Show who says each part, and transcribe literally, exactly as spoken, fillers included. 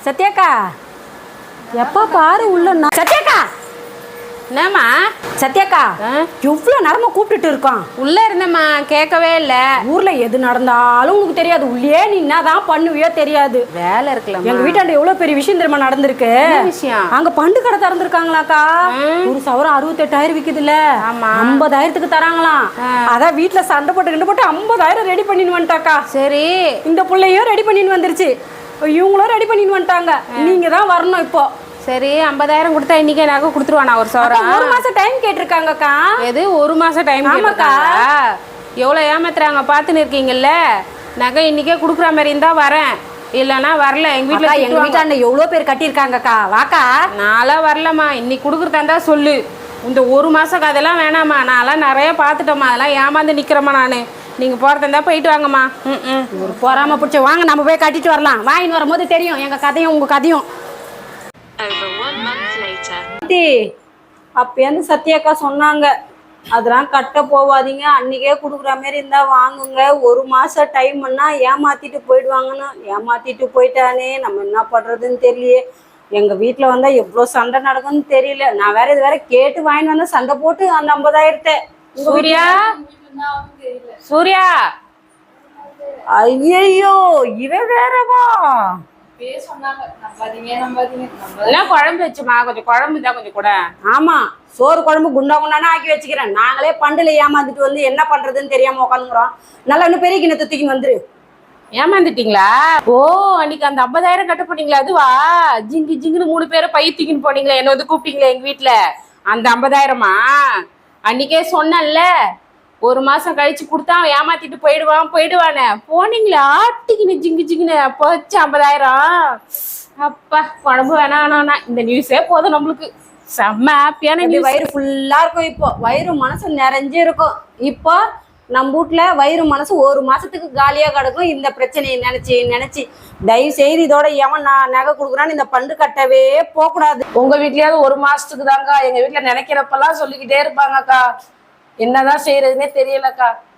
Speaker 1: சத்யாக்கா எப்ப பாரு உள்ள சத்யாக்கா
Speaker 2: என்னம்மா
Speaker 1: சத்யாக்கா எவ்வளோ நேரமா கூப்பிட்டுட்டு இருக்கோம்.
Speaker 2: உள்ள இருந்தம்மா கேட்கவே இல்லை.
Speaker 1: ஊர்ல எது நடந்தாலும் உனக்கு தெரியாது. உள்ளே நீ என்னதான் பண்ணுவியோ தெரியாது.
Speaker 2: வேலை இருக்கலாம்.
Speaker 1: எங்க வீட்டாண்ட எவ்வளவு பெரிய விஷயம் தெரியுமா நடந்திருக்கு.
Speaker 2: விஷயம்
Speaker 1: அங்க பண்டு கடை திறந்துருக்காங்களாக்கா. ஒரு சவரம் அறுபத்தெட்டாயிரம் விக்குதுல்ல, ஐம்பதாயிரத்துக்கு தராங்களாம். அதான் வீட்டுல சண்டை போட்டு கிண்டு போட்டு ஐம்பதாயிரம் ரெடி பண்ணின்னு வந்துட்டாக்கா.
Speaker 2: சரி,
Speaker 1: இந்த பிள்ளையும் ரெடி பண்ணின்னு வந்துருச்சு, இவங்களும் ரெடி பண்ணின்னு வந்துட்டாங்க. நீங்க தான் வரணும் இப்போ.
Speaker 2: சரி, ஐம்பதாயிரம் கொடுத்தா இன்னைக்கே நகை கொடுத்துருவானா? ஒரு சவரம்
Speaker 1: ஒரு மாசம் டைம் கேட்டிருக்காங்கக்கா.
Speaker 2: எது ஒரு மாசம் டைம்?
Speaker 1: ஆமாக்கா.
Speaker 2: எவ்வளோ ஏமாத்துறாங்க பார்த்துன்னு இருக்கீங்கல்ல. நகை இன்னைக்கே கொடுக்குற மாதிரி இருந்தா வரேன், இல்லைன்னா வரல. எங்க வீட்டுல
Speaker 1: எங்க வீட்டாண்ட எவ்வளோ பேர் கட்டியிருக்காங்கக்கா. வாக்கா.
Speaker 2: நான்லாம் வரலம்மா. இன்னைக்கு கொடுக்குறதா இருந்தா சொல்லு. இந்த ஒரு மாசம் அதெல்லாம் வேணாம்மா. நான்லாம் நிறைய பார்த்துட்டோம்மா. அதெல்லாம் ஏமாந்து நிக்கிறேம்மா நான். நீங்க போறதா இருந்தா போயிட்டு வாங்கம்மா. ம் ம்
Speaker 1: ஒரு போறாம பிடிச்ச வாங்க, நம்ம போய் கட்டிட்டு வரலாம். வாங்கின்னு வரும்போது தெரியும் எங்க கதையும் உங்க கதையும். அப்பேந்து சத்யாக்கா சொன்னாங்க, அதெல்லாம் கட்ட போவாதீங்க, அன்னைக்கே கொடுக்குற மாதிரி இருந்தா வாங்குங்க, ஒரு மாசம் டைம்னா ஏமாத்திட்டு போயிடுவாங்கன்னு. ஏமாத்திட்டு போயிட்டானே, நம்ம என்ன பண்றதுன்னு தெரியலையே. எங்க வீட்டுல வந்தா எவ்வளவு சண்டை நடக்கும்னு தெரியல. நான் வேற இது வேற கேட்டு வாங்கிட்டு வந்தா சண்டை போட்டு அந்த ஐம்பதாயிரத்தை.
Speaker 2: சூர்யா சூர்யா
Speaker 1: ஐயோ இவ வேறவா
Speaker 2: குழம்பு வச்சுமா? கொஞ்சம் குழம்பு தான் கொஞ்சம் கூட.
Speaker 1: ஆமா, சோறு குழம்பு குண்டா குண்டானா ஆக்கி வச்சுக்கிறேன். நாங்களே பண்டுல ஏமாந்துட்டு வந்து என்ன பண்றதுன்னு தெரியாம உட்காந்துக்கிறோம். நல்லா இன்னும் பெரிய கிணத்து தூக்கின்னு வந்துரு.
Speaker 2: ஏமாந்துட்டீங்களா? ஓ, அன்னைக்கு அந்த ஐம்பதாயிரம் கட்ட போனீங்களா? அதுவா? ஜிங்கு ஜிங்குன்னு மூணு பேரை பை தூக்கின்னு போனீங்களா? என்ன வந்து கூப்பிட்டீங்களா எங்க வீட்டுல? அந்த ஐம்பதாயிரமா அன்னைக்கே சொன்னேன்ல, ஒரு மாசம் கழிச்சு கொடுத்தா ஏமாத்திட்டு போயிடுவான் போயிடுவானே. போனீங்களா ஆட்டிக்கின்னு ஜிங்கு ஜிங்குன்னு போச்சு ஐம்பதாயிரம். அப்பா, குழம்பு வேணா வேணாண்ணா, இந்த நியூஸே போதும் நம்மளுக்கு. செம்ம ஹாப்பியான நியூஸ்.
Speaker 1: வயிறு ஃபுல்லா இருக்கும். இப்போ வயிறு மனசு நிறைஞ்சு இருக்கும். இப்போ நம்ம வீட்டுல வயிறு மனசு ஒரு மாசத்துக்கு காலியா கிடக்கும். இந்த பிரச்சனையை நினைச்சு நினைச்சு தயவு செய்து இதோட எவன் நான் நகை கொடுக்குறான்னு இந்த பண்டு கட்டவே போக கூடாது.
Speaker 3: உங்க வீட்லயாவது ஒரு மாசத்துக்கு தாங்க. எங்க வீட்டுல நினைக்கிறப்பெல்லாம் சொல்லிக்கிட்டே இருப்பாங்கக்கா. என்னதான் செய்யறதுன்னே தெரியலக்கா.